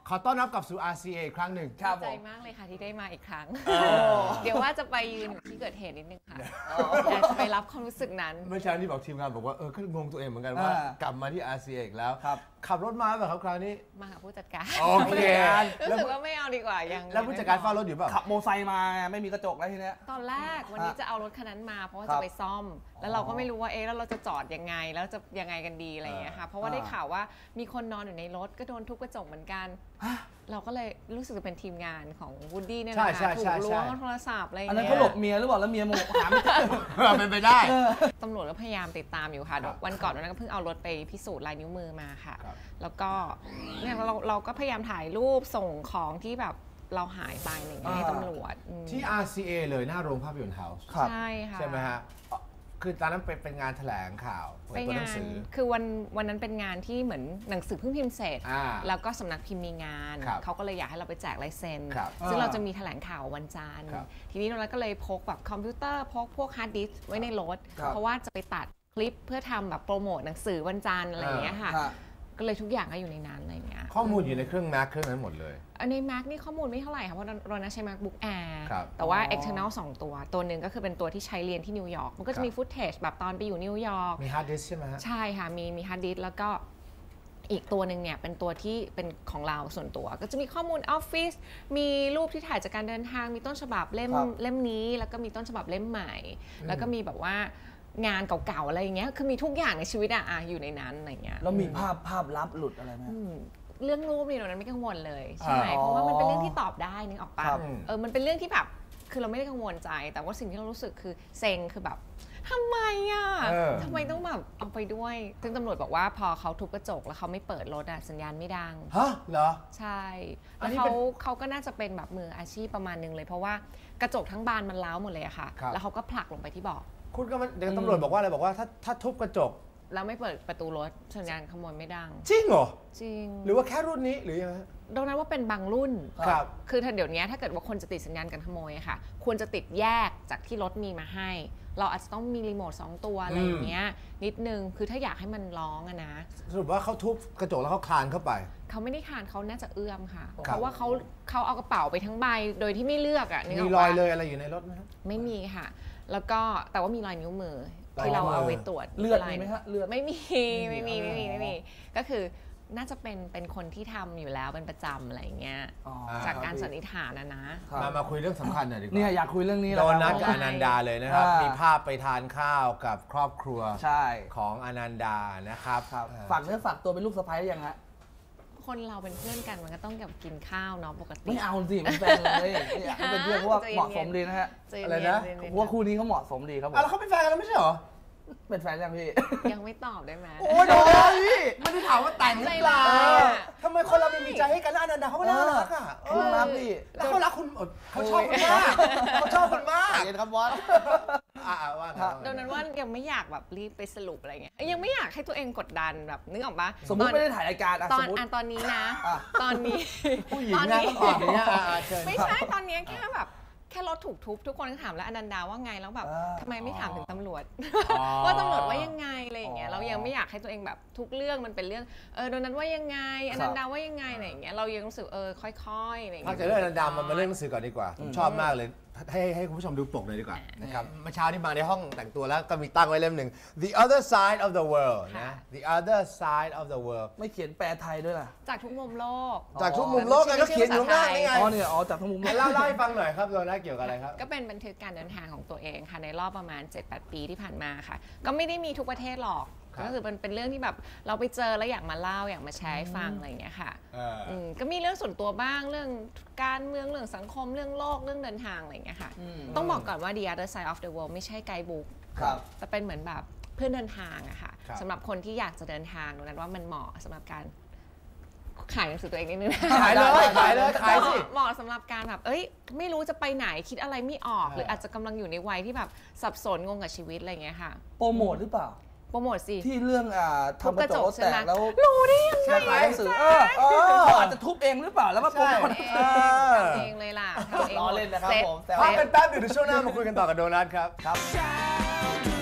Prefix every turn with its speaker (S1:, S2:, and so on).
S1: ขอต้อนรับกลับสู่ RCA อีกครั้งหนึ่ง
S2: ดีใจมากเลยค่ะที่ได้มาอีกครั้งเดี๋ยวว่าจะไปยืนอยู่ที่เกิดเหตุนิดนึงค่ะอยากจะไปรับความรู้สึกนั้น
S1: เมื่อเช้าที่บอกทีมงานบอกว่าก็งงตัวเองเหมือนกันว่ากลับมาที่ RCA อีกแล้วขับรถมาแบบคราวนี้
S2: มาหาผู้จัดการ
S1: โอเค
S2: รู้สึกว่าไม่เอาดีกว่ายัง
S1: แล้วผู้จัดการเฝ้ารถอยู่เปล่า
S3: ขับโมไซค์มาไม่มีกระจกแล้วทีเนี้ย
S2: ตอนแรกวันนี้จะเอารถคันนั้นมาเพราะว่าจะไปซ่อมแล้วเราก็ไม่รู้ว่าแล้วเราจะจอดยังไงแล้วจะยังไงกันดีอะไรอย่างเงี้ยค่ะเพราะว่าได้ข่าวว่ามีคนนอนอยู่ในรถก็โดนทุบกระจกเหมือนกันเราก็เลยรู้สึกจะเป็นทีมงานของวูดดี้เนี่ยนะคะถูกล้วงโทรศัพท์อะไรอย่างเงี้ย
S3: อันนั้นเขาหลบเมียหรือเปล่าแล้วเมียโมหาไม่เจอ
S1: เป็นไปได้
S2: ตำรวจก็พยายามติดตามอยู่ค่ะวันก่อนนั้นก็เพิ่งเอารถไปพิสูจน์ลายนิ้วมือมาค่ะแล้วก็เนี่ยเราก็พยายามถ่ายรูปส่งของที่แบบเราหายไปอะไรอย่างเงี้ยให้ตำรวจ
S1: ที่ RCA เลยหน้าโรงภาพยนตร์เฮาส์
S2: ใช่ค่ะ
S1: ใช่ไหมฮะคือตอนนั้นเป็นงานแถลงข่าว
S2: เป็นงานคือวันนั้นเป็นงานที่เหมือนหนังสือเพิ่งพิมพ์เสร็จแล้วก็สำนักพิมพ์มีงานเขาก็เลยอยากให้เราไปแจกลายเซ็นซึ่งเราจะมีแถลงข่าววันจันทร์ทีนี้เราก็เลยพกแบบคอมพิวเตอร์พวกฮาร์ดดิสก์ไว้ในรถเพราะว่าจะไปตัดคลิปเพื่อทำแบบโปรโมทหนังสือวันจันทร์อะไรอย่างเงี้ยค่ะก็เลยทุกอย่างก็อยู่ในนั้นอะไรอย่างเงี้ย
S1: ข้อมูลอยู่ในเครื่อง Mac เครื่องนั้นหมดเลย
S2: ใน Mac นี่ข้อมูลไม่เท่าไหร่ค่ะเพราะเราใช้ MacBook Air แต่ว่า external 2 ตัวหนึ่งก็คือเป็นตัวที่ใช้เรียนที่นิวยอร์กมันก็จะมีฟุตเทจแบบตอนไปอยู่นิวยอร์ก
S1: มีฮาร์ดดิสก์ใช่ไหมฮะ
S2: ใช่ค่ะมีฮาร์ดดิสก์แล้วก็อีกตัวหนึ่งเนี่ยเป็นตัวที่เป็นของเราส่วนตัวก็จะมีข้อมูลออฟฟิศมีรูปที่ถ่ายจากการเดินทางมีต้นฉบับเล่มนี้แล้วก็มีต้นฉบับเล่มใหม่แล้วก็มีแบบว่างานเก่าๆอะไรอย่างเงี้ยคือมีทุกอย่างในชีวิตอยู่ในนั้นอะไรเงี้ย
S3: แล้วมีภาพลับหลุดอะไรไหม
S2: เรื่องรูปนี่เรานั้นไม่กังวลเลยใช่ไหมเพราะว่ามันเป็นเรื่องที่ตอบได้นึกออกปะมันเป็นเรื่องที่แบบคือเราไม่ได้กังวลใจแต่ว่าสิ่งที่เรารู้สึกคือเซ็งคือแบบทำไมทำไมต้องแบบเอาไปด้วยซึ่งตำรวจบอกว่าพอเขาทุบกระจกแล้วเขาไม่เปิดรถสัญญาณไม่ดัง
S1: ฮะเหรอ
S2: ใช่แล้วเขาก็น่าจะเป็นแบบมืออาชีพประมาณนึงเลยเพราะว่ากระจกทั้งบานมันร้าวหมดเลยอะค่ะแล้วเขาก็ผลักลงไปที่เบาะ
S1: คุณก็เดี๋ยวตำรวจบอกว่าอะไรบอกว่าถ้าทุบกระจก
S2: แล้วไม่เปิดประตูรถสัญญาณขโมยไม่ดัง
S1: จริงเหรอ
S2: จริง
S1: หรือว่าแค่รุ่นนี้หรือยังไง
S2: ดังนั้นว่าเป็นบางรุ่น
S1: ครับ
S2: คือถ้าเดี๋ยวนี้ถ้าเกิดว่าคนจะติดสัญญาณการขโมยค่ะควรจะติดแยกจากที่รถมีมาให้เราอาจจะต้องมีรีโมท2 ตัวอะไรอย่างเงี้ยนิดนึงคือถ้าอยากให้มันร้องนะ
S1: สรุปว่าเขาทุบกระจกแล้วเขาคลานเข้าไป
S2: เขาไม่ได้คลานเขาน่าจะเอื้อมค่ะเพราะว่าเขาเอากระเป๋าไปทั้งใบโดยที่ไม่เลือก
S1: มีรอยเลยอะไรอยู่ในรถไหม
S2: ไม่มีค่ะแล้วก็แต่ว่ามีรอยนิ้วมือที่เราเอาไว้ตรวจ
S3: เลือดมีไหมคะเลือด
S2: ไม่มีก็คือน่าจะเป็นคนที่ทำอยู่แล้วเป็นประจำอะไรเงี้ยจากการสันนิษฐานนะ
S1: มาคุยเรื่องสำคัญหน่อยดีกว่า
S3: เนี่ยอยากคุยเรื่องนี้
S1: โดนัทกับอนันดาเลยนะครับมีภาพไปทานข้าวกับครอบครัวของอนันดานะครับ
S3: ฝากเนื้อฝากตัวเป็นลูกสะใภ้หรือยังฮะ
S2: คนเราเป็นเพื่อนกันมันก็ต้องกับกินข้าวเนาะปกติ
S3: ไม่เอาสิมันแฟนเลยเป็นเพื่อนเพราะว่าเหมาะสมดีนะฮะ
S1: อะไรนะ
S3: ว่าคู่นี้เขาเหมาะสมดีครับผม
S1: แล้วเขาเป็นแฟนกันแล้วไม่ใช่หรอ
S3: เป็นแฟนยังพี่
S2: ยังไม่ตอบได้ไหม
S1: โอ้ยโดนพี่ไม่ได้ถามว่าแต่งหรือเปล่าทำไมคนเราไม่มีใจให้กันแล้วอนันดาเขาก็น่ารัก
S3: รักพี่
S1: แล้วเขารักคุณเขาชอบคุณมากเขาชอบคุณมาก
S3: เย็นครับบอส
S1: ว่า
S2: ดังนั้นว่ายังไม่อยากแบบรีบไปสรุปอะไรเงี้ยยังไม่อยากให้ตัวเองกดดันแบบนึกออกปะ
S3: สมมติไม่ได้ถ่ายรายการ
S2: ตอนนี้นะตอนนี้
S1: ผู้หญิงนะต้องออกอย่างเงี้ย
S2: ไม่ใช่ตอนนี้แค่แบบแค่รถถูกทุบทุกคนก็ถามแล้วอนันดาว่าไงแล้วแบบทำไมไม่ถามถึงตำรวจว่าตำรวจว่ายังไงอะไรอย่างเงี้ยเรายังไม่อยากให้ตัวเองแบบทุกเรื่องมันเป็นเรื่องโดนนั้นว่ายังไงอนันดาว่ายังไงอะไรอย่างเงี้ยเรายังรู้สึกค่อยๆอะไรอย่างเงี้ย
S1: พักจากเรื่องอนันดามันมาเรื่องหนังสือก่อนดีกว่าผมชอบมากเลยให้คุณผู้ชมดูปกเลยดีกว่านะครับเมื่อเช้าที่มาในห้องแต่งตัวแล้วก็มีตั้งไว้เล่มหนึ่ง The Other Side of the World นะ The Other Side of the World
S3: ไม่เขียนแปลไทยด้วยล่ะ
S2: จากทุกมุมโลก
S1: จากทุกมุมโลกไงก็เขียนอยู่ข้างนี่ไง
S3: เนี่ยจากทุกมุม
S1: เล่าให้ฟังหน่อยครับโดนัทเกี่ยวกับอะไรครับ
S2: ก็เป็นบันทึกการเดินทางของตัวเองค่ะในรอบประมาณ 7-8 ปีที่ผ่านมาค่ะก็ไม่ได้มีทุกประเทศหรอกก็คือเป็นเรื่องที่แบบเราไปเจอแล้วอยากมาเล่าอยากมาแชร์ให้ฟังอะไรอย่างเงี้ยค่ะก็มีเรื่องส่วนตัวบ้างเรื่องการเมืองเรื่องสังคมเรื่องโลกเรื่องเดินทางอะไรอย่างเงี้ยค่ะต้องบอกก่อนว่า The Other Side of the World ไม่ใช่ไกด์บุ๊กแต่เป็นเหมือนแบบเพื่อนเดินทางอะค่ะสำหรับคนที่อยากจะเดินทางนั้นว่ามันเหมาะสำหรับการขายหนังสือตัวเองนิดนึง
S1: ขายเลยขายสิ
S2: เหมาะสำหรับการแบบไม่รู้จะไปไหนคิดอะไรไม่ออกหรืออาจจะกำลังอยู่ในวัยที่แบบสับสนงงกับชีวิตอะไรอย่างเงี้ยค่ะ
S3: โปรโมทหรือเปล่า
S2: โปรโมทสิ
S3: ที่เรื่องทำกระจกแตกแล้ว
S2: รู้ได้ยังไง
S3: ขายหนังสืออาจจะทุบเองหรือเปล่าแล้วมาโปรโมท
S2: เองเลยล่ะทำเอง
S3: ล้อเล่นนะครับผม
S1: พักกันแป๊บเดี๋ยวช่วงหน้ามาคุยกันต่อกับโดนัทครับ